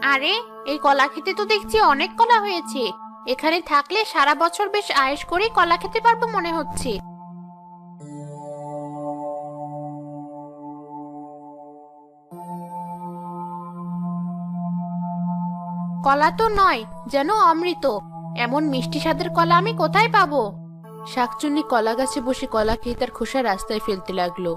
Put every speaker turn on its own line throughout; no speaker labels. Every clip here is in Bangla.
আরে, এই কলা খেতে তো দেখছি অনেক কলা হয়েছে। এখানে থাকলে সারা বছর বেশ আয়েশ করে কলা খেতে পারবো মনে হচ্ছে। কলা তো নয়, যেন অমৃত। এমন মিষ্টি স্বাদের কলা আমি কোথায় পাবো? শাকচুন্নি কলা গাছে বসে কলা খেয়ে তার খোসা রাস্তায় ফেলতে লাগলো।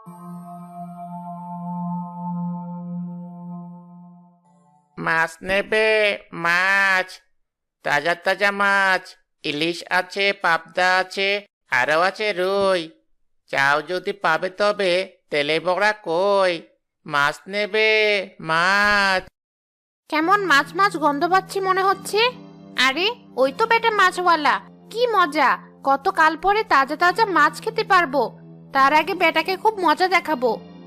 মাছ নেবে? মাছ, তাজা তাজা মাছ। ইলিশ আছে, পাবদা আছে, আরো আছে রুই। চাও যদি পাবে, তবে তেলে বড়া কই। মাছ নেবে? মাছ।
কেমন মাছ মাছ গন্ধ পাচ্ছি মনে হচ্ছে। আরে, ওই তো বেটা মাছওয়ালা। কি মজা! কতকাল পরে তাজা তাজা মাছ খেতে পারবো। তার আগে বেটাকে খুব মজা দেখাবো।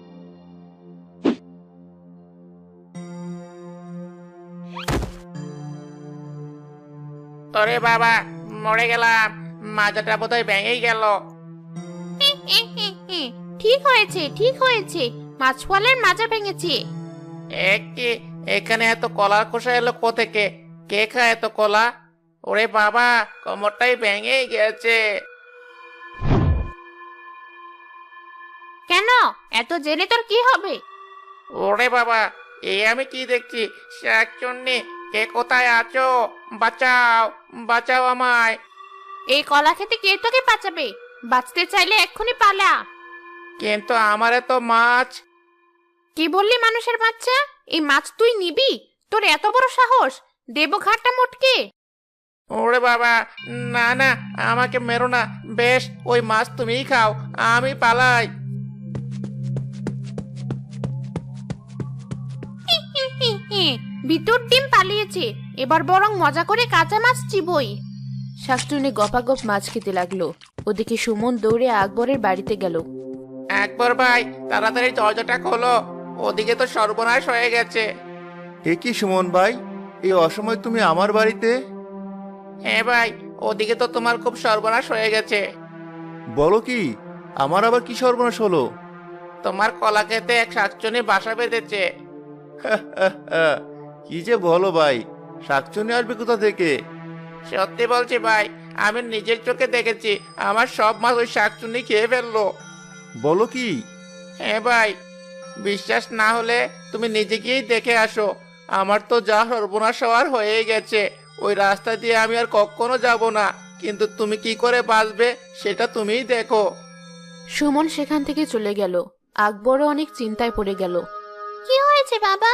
ওরে বাবা, মরে গেলাম। মাজাটা বোধহয় ভেঙেই গেল।
ঠিক হয়েছে, ঠিক হয়েছে। মাছওয়ালার মাজা ভেঙেছে।
কি, এখানে এত কলার খোসা এলো কোথেকে? কে খায় এত কলা? ওরে বাবা, কোমরটাই ভেঙেই গেছে।
কেন? এত জেনে তোর কি হবে?
ওরে বাবা, আমি কি দেখছি? শাকচুন্নি, কে কোথায় আছো? বাঁচাও, বাঁচাও আমায়।
এই কলা খেতে কে তোকে বাঁচাবে? বাঁচতে চাইলে এক্ষুনি পালা।
কিন্তু আমারে তো মাছ।
কি বললি মানুষের বাচ্চা? এই মাছ তুই নিবি? তোর এত বড় সাহস! দেবো ঘাটটা মোটকে।
ওরে বাবা, না না, আমাকে মেরো না। বেশ, ওই মাছ তুমিই খাও, আমি পালাই।
ভিতর ডিম পালিয়েছে। এবার বরং মজা করে কাঁচা মাছ চিবই। শাকচুন্নি গপাগপ মাছ খেতে লাগলো। ওদিকে সুমন দৌড়ে আকবরের বাড়িতে গেল।
একবার ভাই, তাড়াতাড়ি দরজাটা খোলো। ওদিকে তো সর্বনাশ হয়ে গেছে।
এ কি সুমন ভাই, এই অসময় তুমি আমার বাড়িতে?
হ্যাঁ ভাই, ওদিকে তো তোমার খুব সর্বনাশ হয়ে গেছে।
বলো কি? আমার আবার কি সর্বনাশ হলো?
তোমার কলা খেতে এক শাকচুন্নি বাসা বেঁধেছে।
কি যে বলো ভাই, শাকচুন্নি আসবে কোথা থেকে?
সত্যি বলছি ভাই, আমি নিজের চোখে দেখেছি। আমার সব মাছ ওই শাকচুন্নি খেয়ে ফেললো।
বলো কি?
হ্যাঁ ভাই, বিশ্বাস না হলে তুমি নিজে গিয়েই দেখে আসো। আমার তো যা সর্বনাশ হওয়ার হয়ে গেছে। ওই রাস্তা দিয়ে আমি আর কখনো যাব না। কিন্তু তুমি কি করে বাঁচবে সেটা তুমিই দেখো।
সুমন সেখান থেকে চলে গেল। আকবরও অনেক চিন্তায় পড়ে গেল। কি হয়েছে বাবা?